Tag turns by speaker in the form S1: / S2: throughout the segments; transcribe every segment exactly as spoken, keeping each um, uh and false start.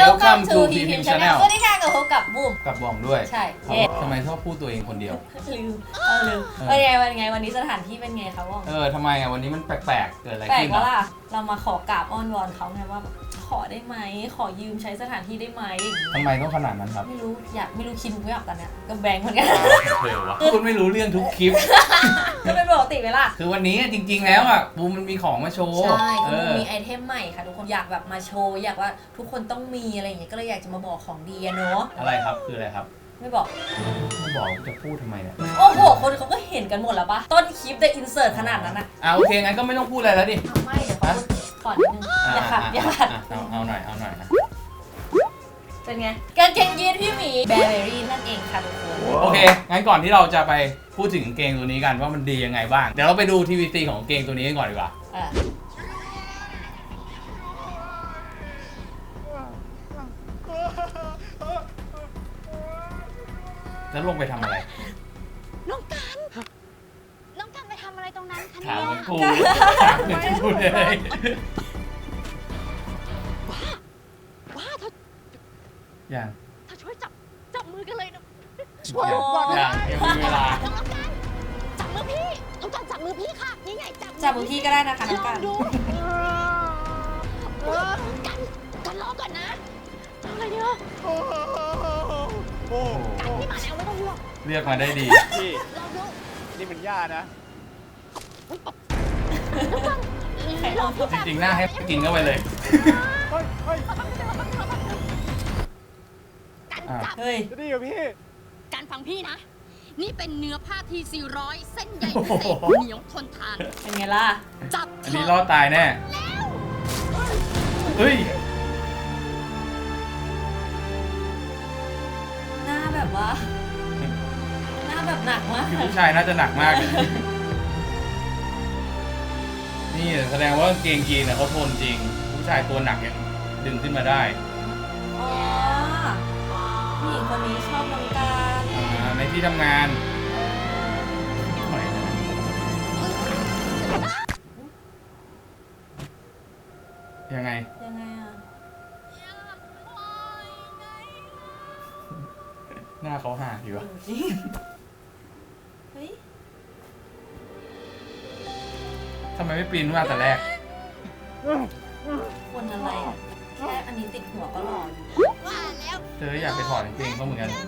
S1: Welcome to พี พี Channel
S2: สวัสดีค่ะกับพบกับบูม
S1: กับบ่องด้วย
S2: ใช่
S1: ทำไมชอบพูดตัวเองคนเดียว
S2: ลืมเออลืมวันไงวันไงวันนี้สถานที่เป็นไงคะบ้อง
S1: เออทำไมอ่ะวันนี้มันแปลกๆเกิดอะไร
S2: แปลก
S1: ขึ้น
S2: ว่าล่ะเรามาขอกราบอ้อนวอนเขาไงว่าขอได้ไหมขอยืมใช้สถานที่ได้ไหม
S1: ทำไมต้องขนาดนั้นครับ
S2: ไม่รู้อยากไม่รู้คิดไม่ออกตอนเนี้ยก็แบงค์เหมือนกัน
S1: เร็ววะคุณไม่รู้เรื่องทุกคลิป
S2: ก็เป็นปกติไหมล่ะ
S1: คือวันนี้จริงๆแล้วอ่ะบูมมันมีของมาโชว์
S2: ใช่บูมมีไอเทมใหม่ค่ะทุกคนอยากแบบมาโชว์อยากว่าทุกคนต้องมีอะไรอย่างเงี้ยก็เลยอยากจะมาบอกของดีเนาะ
S1: อะไรครับคืออะไรครับ
S2: ไม่บอก
S1: ไม่บอกจะพูดทำไมเนี่ย
S2: โอ้โหคนเขาก็เห็นกันหมดแล้วปะต้นคลิปได้อินเสิร์ตขนาดนั้นอะ
S1: อ่ะโอเคงั้นก็ไม่ต้องพูดอะไรแล้วดิ
S2: ไม่เดี๋ยวขอขอนิดนึงอย่าขัดอย่าขัด
S1: เอาเอาหน่อยเอาหน่อยนะ
S2: เป็นไงกางเกงยีนพี่หมีแบร์เบอรี่นั่นเองค่ะทุกคน
S1: โอเคงั้นก่อนที่เราจะไปพูดถึงกางเกงตัวนี้กันว่ามันดียังไงบ้างเดี๋ยวเราไปดู ที วี ซี ของกางเกงตัวนี้กันก่อนดีกว่าแล้วลงไปทำอะไร
S3: น้องกันน้องกันไปทำอะไรตรงนั้นคะ
S1: ถามเหมือนกู
S3: ถาม
S1: เหมือนกูเลย
S3: ว้าว้าเธอ
S1: อย่าง
S3: เธอช่วยจับจับมือกันเลยนะ
S1: อย่างยังมีเวลา
S3: น้องกันจับมือพี่น้องกันจับมือพี่ค่ะนี่ไงจับ
S2: จับมือพี่ก็ได้นะคะน้องกัน
S3: ดูกันกันรอก่อนนะอะไรเนี่ย
S4: โอ้
S3: กันนี่มาแล้วไม่ต้องห่วง
S1: เรียกมาได้ดี
S4: พี่นี่มันย่านะ
S1: จริงๆหน้าให้กินเข้าไปเลย
S3: กันจับ
S2: เฮ้ย
S4: ดีกับพี่
S3: การฟังพี่นะนี่เป็นเนื้อผ้าทีสี่ร้อยเส้นใหญ่พิเศษเหนียวทนทาน
S2: เป็นไงล่ะ
S3: จับ
S1: อันนี้รอดตายแน่เฮ้ย
S2: หน้าแบบว่าหน้าแบบหนักมาก
S1: ผู้ชายน่าจะหนักมากนี่แสดงว่ากางเกงยีนเขาทนจริงผู้ชายตัวหนักยังดึงขึ้นมาได้
S2: อ๋อผู้หญิงคนนี้ชอบน้องการ
S1: ในที่ทำงานยังไง
S2: ยังไงอ่ะ
S1: หน้าเขาห่าอยู่อะ
S2: เฮ้ย
S1: ทำไมไม่ปีนมาแต่แรก
S2: คนอะไรแค่อันนี้ติดหัวก็หล่อ
S3: ว่าแล้ว
S1: เธออยากไปถอดกางเกงเขาเหมือนกัน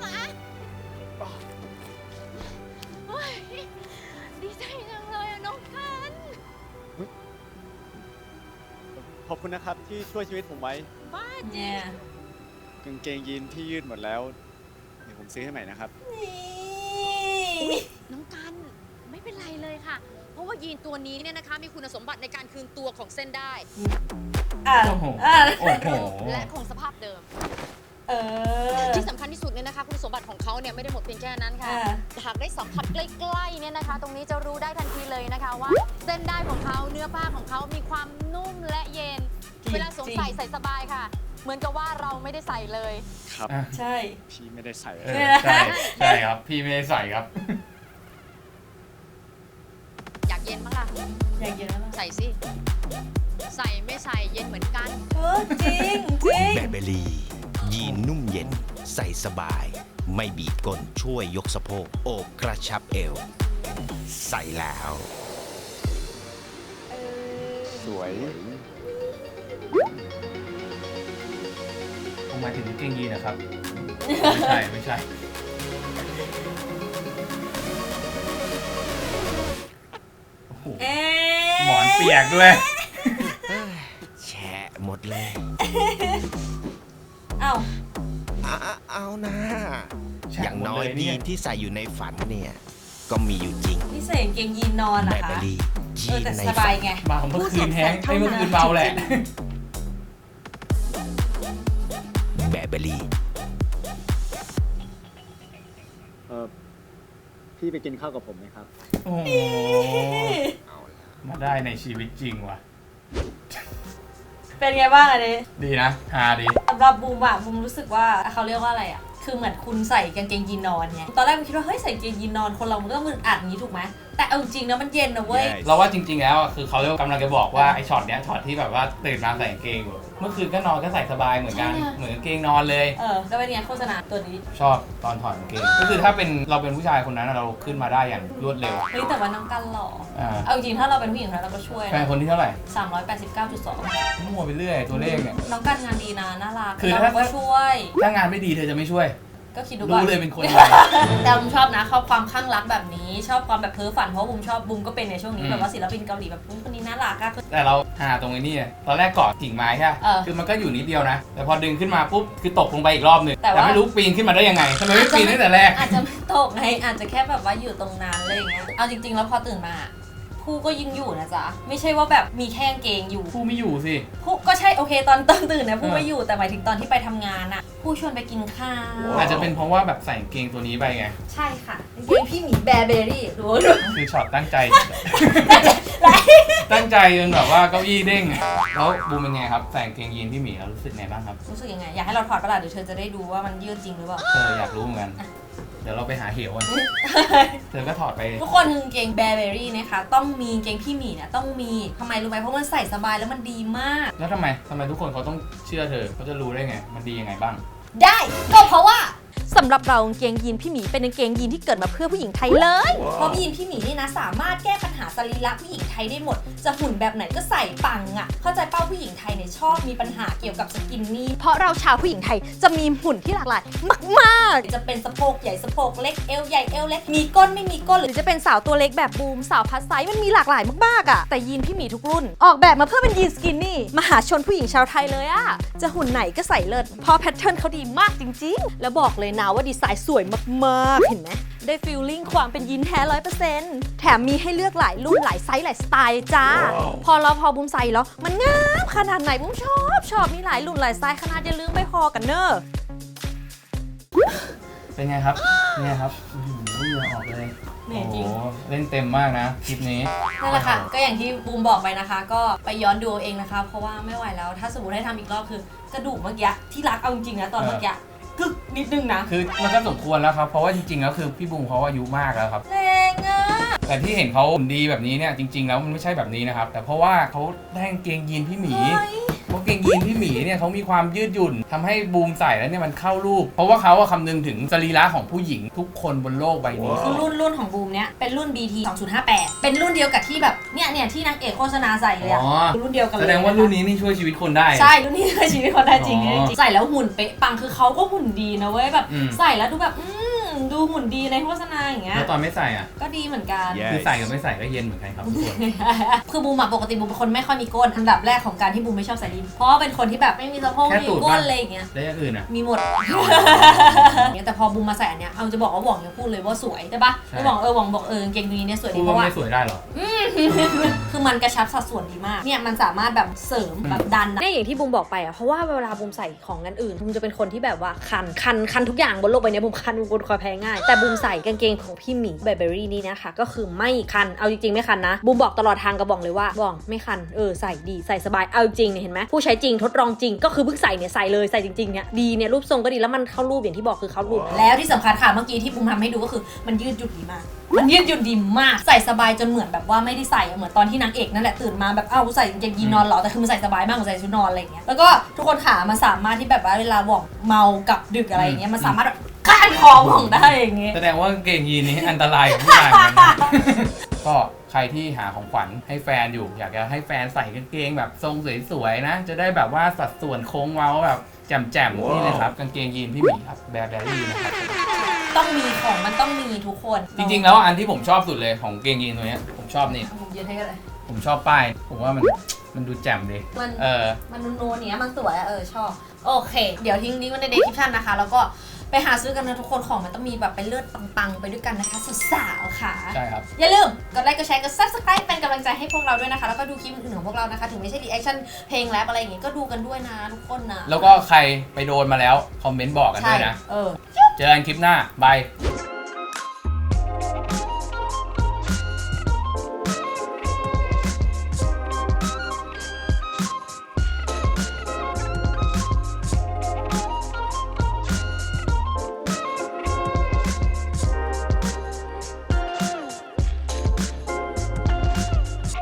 S3: ดีใจจังเลยน้องกัน
S4: ขอบคุณนะครับที่ช่วยชีวิตผมไว้
S3: บ้า
S2: เนี่ย
S4: กางเกงยีนที่ยืดหมดแล้วเดี๋ยวผมซื้อให้ใหม่นะครับ
S3: น้องกันไม่เป็นไรเลยค่ะเพราะว่ายีนตัวนี้เนี่ยนะคะมีคุณสมบัติในการคืนตัวของเส้นได้
S1: โอ้โห
S3: และคงสภาพเดิมที่สำคัญที่สุดเนี่ยนะคะคุณสมบัติของเขาเนี่ยไม่ได้หมดเพียงแค่นั้นค่ะหากได้สัมผัสใกล้ๆเนี่ยนะคะตรงนี้จะรู้ได้ทันทีเลยนะคะว่าเส้นได้ของเขาเนื้อผ้าของเขามีความนุ่มและเย็นเวลาสวมใส่ใส่สบายค่ะเหมือนกับว่าเราไม่ได้ใส่เลย
S4: ครับ
S2: ใช่
S4: พี่ไม่ได้ใส่
S1: ใช่ใช่ครับพี่ไม่ได้ใส่ครับ
S3: อยากเย็นบ้างล่ะ
S2: อยากเย็นแล้ว
S3: ใส่สิใส่ไม่ใส่เย็นเหมือนกัน
S2: เออจริงจริง
S5: แบเบลียีนนุ่มเย็นใส่สบายไม่บีบก้นช่วยยกสะโพกโอบกระชับเอวใส่แล้ว
S4: สวย
S1: ผมหมายถึงกางเกงยีนนะครับไม่ใช่ไม่ใช่หมอนเปียกด้วย
S5: แฉะหมดเลย
S2: เอ้า
S5: เอาเอานะอย่างน้อยยีนที่ใส่อยู่ในฝันเนี่ยก็มีอยู่จริง
S2: นี่ใส่กางเกงยีนนอนเหรอคะ
S5: ยีน
S2: ในฝันไง
S1: มาเมื่อคืนแห้งไอ้เมื่อคืนเมาแหละ
S5: แบเบลี
S4: เออพี่ไปกินข้าวกับผมไหมครับ
S1: โอ้มาได้ในชีวิตจริงว่ะ
S2: เป็นไงบ้างอันนี้
S1: ดีนะฮาดี
S2: สำหรับบูมอะบูมรู้สึกว่าเขาเรียกว่าอะไรอะคือเหมือนคุณใส่กางเกงยีนนอนไงตอนแรกมันคิดว่าเฮ้ยใส่กางเกงยีนนอนคนเรามันก็ต้องมึนอัดอย่างนี้ถูกไหมแต่เอาจริงนะมันเย็นนะเว้ย
S1: เราว่าจริงๆแล้วคือเขากำลังจะบอกว่าไอ้ช็อตเนี้ยช็อตที่แบบว่าตื่นมาใส่กางเกงอยู่เมื่อคืนก็นอนก็ใส่สบายเหมือนกัน
S2: ใช่ไง
S1: เหมือนกางเกงนอนเลย
S2: เออแล้วเป็นไงโฆษณาตัวนี้
S1: ชอบตอนถอดกางเกงก็คือถ้าเป็นเราเป็นผู้ชายคนนั้นเราขึ้นมาได้อย่างรวดเร็ว
S2: เฮ้ยแต่ว่าน้องกันหล่อ
S1: อ่า
S2: เอาจริงๆถ้าเราเป็นผู้หญิงคนนั้นเราก็ช่วย
S1: แฟนคนที่เท่าไหร่
S2: สามร้อยแปดสิบเก้าจุดสอง
S1: มั่วไปเรื่อยตัวเลขเนี่ย
S2: น้องกันงานดีนะน่ารัก
S1: คือ
S2: เรา
S1: ถ้า
S2: ก็ช่วย
S1: ถ้างานไม่ดีเธอจะไม่ช่วย
S2: ก็คิดดูก่อ
S1: รู้
S2: น
S1: เลยเป็นคนไง
S2: แต่บุมชอบนะชอบความข้างรักแบบนี้ ชอบความแบบเพ้อฝันเพราะบุมชอบบุมก็เป็นในช่วงนี้
S1: อืม
S2: แบบว่าศิลปินเกาหลีแบบอุ๊ยคนนี้น่ารักอะ
S1: แต่เราหาตรงไอ้นี่ตอนแรกเกาะกิ่งไม้ใช่ไหม
S2: เออ
S1: คือมันก็อยู่นิดเดียวนะ แต่พอดึงขึ้นมาปุ๊บคือตกลงไปอีกรอบหนึง
S2: แต่ว่า
S1: แต่ไม่รู้ปีนขึ้นมาได้ยังไงทำไมไม่ปีนตั้งแต่แรก
S2: อาจจะไม่ตกไงอาจจะแค่แบบว่าอยู่ตรงนั้นอะไรอย่างเงี้ยเอาจริงๆแล้วพอตื่นมาผู้ก็ยังอยู่นะจ๊ะไม่ใช่ว่าแบบมีแค่กางเกงอยู่
S1: ผู้ไม่อยู่สิ
S2: ผู้ก็ใช่โอเคตอนตอนตื่นนะผู้
S1: เออ
S2: ไม่อยู่แต่หมายถึงตอนที่ไปทำงานอะผู้ชวนไปกินข้าว
S1: อาจจะเป็นเพราะว่าแบบใส่กางเกงตัวนี้ไปไง
S2: ใช่ค่ะกางเกงพี่หมีแบร์เบอรี่ดูดู
S1: คือช็อตตั้งใจ ตั้งใจจนแบบว่าเก้าอี้เด้งอะแล้วบูมเป็นไงครับใส่กางเกงยีนพี่หมีแล้วรู้สึกไงบ้างครับ
S2: รู้สึกยังไงอยากให้เราถอดประหลาดเดี๋ยวเธอจะได้ดูว่ามันยืดจริงหรือเปล่า
S1: เธออยากรู้เหมือนกัน เดี๋ยวเราไปหาเหวกันเธอก็ถอดไป
S2: ทุกคนกางเกงแบร์เบอรี่นะคะต้องมีกางเกงพี่หมีเนี่ยต้องมีทำไมรู้ไหมเพราะมันใส่สบายแล้วมันดีมาก
S1: แล้วทำไมทำไมทุกคนเขาต้องเชื่อเธอเขาจะรู้ได้ไง มันดียังไงบ้าง
S2: ได้ก็เพราะว่าสำหรับเรากางเกงยีนพี่หมีเป็นกางเกงยีนที่เกิดมาเพื่อผู้หญิงไทยเลยเพราะยีนพี่หมีนี่นะสามารถแก้ปัญหาสรีระผู้หญิงไทยได้หมดจะหุ่นแบบไหนก็ใส่ปังอ่ะเข้าใจเป้าผู้หญิงไทยเนี่ยชอบมีปัญหาเกี่ยวกับสกินนี่เพราะเราชาวผู้หญิงไทยจะมีหุ่นที่หลากหลายมากๆจะเป็นสะโพกใหญ่สะโพกเล็กเอวใหญ่เอวเล็กมีก้นไม่มีก้นหรือจะเป็นสาวตัวเล็กแบบบูมสาวพัสไซส์มันมีหลากหลายมากๆอ่ะแต่ยีนพี่หมีทุกรุ่นออกแบบมาเพื่อเป็นยีนสกินนี่มหาชนผู้หญิงชาวไทยเลยอ่ะจะหุ่นไหนก็ใส่เลิศเพราะแพทเทิร์นเขาดีมากจริงๆแล้วบอกเลยนะว่าดีไซน์สวยมากๆเห็นไหมได้ฟีลลิ่งความเป็นยีนแท้ร้อยเปอร์เซ็นต์แถมมีให้เลือกหลายรุ่นหลายไซส์หลายสไตล์จ้า พอเราพอบุ้มใส่แล้วมันงามขนาดไหนบุ้มชอบชอบมีหลายรุ่นหลายไซส์ขนาดอย่าลืมไปพอกันเนอะ
S1: เป็นไงครับเป็นไงครับอื้อหือเหงื่อออกเลย
S2: เหนื่อยจริง
S1: โอ้โหเล่นเต็มมากนะคลิปนี้
S2: นั่นแหละค่ะก็อย่างที่บูมบอกไปนะคะ ก็ไปย้อนดูเอาเองนะคะ เพราะว่าไม่ไหวแล้วถ้าสมมติให้ทำอีกรอบคือกระดูกเมื่อกี้ที่รักเอาจริงๆนะตอนเมื่อกี้กึกนิดนึงนะ
S1: คือมันก็สมควรแล้วครับ เพราะว่าจริงๆแล้วคือพี่บูมเขาอายุมากแล้วครับ
S2: แรงอ่ะ
S1: แต่ที่เห็นเขาหุ่นดีแบบนี้เนี่ยจริง ๆ แล้วมันไม่ใช่แบบนี้นะครับ แต่เพราะว่าเขาได้กางเกงยีนพี่หมี
S2: เฮ้ย
S1: เพราะกางเกงยีนพี่หมีเนี่ยเขามีความยืดหยุ่นทำให้บูมใส่แล้วเนี่ยมันเข้ารูป เพราะว่าเขาอะคำนึงถึงสรีระของผู้หญิงทุกคนบนโลกใบนี้
S2: คือรุ่นรุ่นของบูมเนี้ยเป็นรุ่น บี ที สองศูนย์ห้าแปด เป็นรุ่นเดียวกับที่แบบเนี่ยเนี่ยที่นางเอกโฆษณาใส่เลยอะ
S1: อ๋อ
S2: รุ่นเดียวกันเลย
S1: แสดงว่ารุ่นนี้นี่ช่วยชีวิตคนได้
S2: ใช่รุ่นนี้คือชีวิตคนได้จริง
S1: อ๋อ
S2: จริงใส่แล้วหุ่นเป๊ะปังคือเขาก็หุ่นดีนะเว้ยแบบ
S1: อืม
S2: ใส่แล้วดูแบบอืมดูหุ่นดีในโฆษณาอย่างเงี้ย
S1: แล้วตอนไม่ใส่อ่ะ
S2: ก็ดีเหมือนกัน
S4: Yes
S1: คือใส่กับไม่ใส่ก็เย็นเหมือนกันครับทุกคน
S2: คือบูมอะปกติบูมเป็นคนไม่ค่อยมีก้นอันดับแรกของการที่บูมไม่ชอบใส่ลินเพราะว่าเป็นคนที่แบบไม่มีสะโพก
S1: แค่
S2: ไม่
S1: ตู
S2: มี
S1: ด
S2: ก้
S1: ปะ
S2: นอะไรอย่างเงี้ย
S1: แล้วอย่างอื่นอ่ะ
S2: มีหมด เนี่ยแต่พอบูมมาใส่อันเนี้ยเอาจะบอกว่าหว่องยังพูดเลยว่าสวยใช่ปะ
S1: ใช่
S2: แล้วหว่องเออหว่องบอกเออกางเกงตัวนี้เนี่ยสวย
S1: พู
S2: ดี
S1: ด
S2: เพ
S1: ว่า
S2: ราะว่า
S1: ไม่สวยได้เหรอ
S2: คือมันกระชับสัดส่วนดีมากเนี่ยมันสามารถแบบเสริมแบบดันเนี่ยอย่างที่บูมบอกไปอะเพราะว่าเวลาบูมใส่ของกันอื่นบูมจะเป็นคนที่แบบว่าคันคันคันทุกอย่างบนโลกใบนี้บูมคันบูมเป็นคนคอยแพ้ง่ายแต่บูมใส่กางเกงของพี่หมีแบร์เบอรี่นี่นะคะก็คือไม่คันเอาจริงๆไม่คันนะบูมบอกตลอดทางกระบอกเลยว่าบอกไม่คันเออใส่ดีใส่สบายเอาจริงเนี่ยเห็นไหมผู้ใช้จริงทดลองจริงก็คือเพิ่งใส่เนี่ยใส่เลยใส่จริงๆเนี่ยดีเนี่ยรูปทรงก็ดีแล้วมันเข้ารูปอย่างที่บอกคือเข้ารูปแล้วที่สำคัญค่ะเมื่อกี้ที่บูมทำให้ดูก็คือมันยืดหยุ่นดีมากมันยืดหยุ่นดีมากใส่สบายจนเหมือนแบบว่าไม่ได้ใส่เหมือนตอนที่นางเอกนั่นแหละตื่นมาแบบอ้าวกูใส่กางเกงยีนนอนเหรอแต่คือมันใส่สบายมากกว่าใส่ชุดนอนอะไรอย่างเงี้ยแล้วก็ทุกคนขามันสามารถที่แบบว่าเวลาหว่องเมากับดึกอะไรอย่างเงี้ยมันสามารถแบบก้านคอหว่องได้อย่างเงี้ย
S1: แสดงว่ากางเกงยีนนี้อันตรายกับผู้ชายเหมือนกันนะ ก็ใครที่หาของขวัญให้แฟนอยู่ อยากจะให้แฟนใส่กางเกงแบบทรงสวยๆนะ จะได้แบบว่าสัดส่วนโค้งเว้าแบบแจ่มๆนี่เลยครับกางเกงยีนพี่หมีครับแบร์เบอรี่นะครับ
S2: ต้องมีของมันต้องมีทุกคน
S1: จริงๆแล้วอันที่ผมชอบสุดเลยของกางเกงยีนตัวเนี้ยผมชอบนี่
S2: ผมยืนให้กันเลย
S1: ผมชอบป้ายผมว่ามันมันดูแจ่มดี
S2: มัน
S1: เออ
S2: มันนูนๆเนี้ยมันสวยอะเออชอบโอเค เดี๋ยวทิ้งลิงก์ไว้ในเดสคริปชั่นนะคะแล้วก็ไปหาซื้อกันนะทุกคนของมันต้องมีแบบเป็นเลือดปังๆไปด้วยกันนะคะสาวๆค่ะ
S1: ใช่ครับ
S2: อย่าลืมกดไลค์กดแชร์กด ซับสไครบ์ เป็นกำลังใจให้พวกเราด้วยนะคะแล้วก็ดูคลิปอื่นๆของพวกเรานะคะถึงไม่ใช่รีแอคชั่นเพลงแรปอะไรอย่างงี้ก็ดูกันด้วยนะทุกคนนะ
S1: แล้วก็ใครไปโดนมาแล้วคอมเมนต์บอกกันด้วยนะ
S2: เออ
S1: เจอกันคลิปหน้าบาย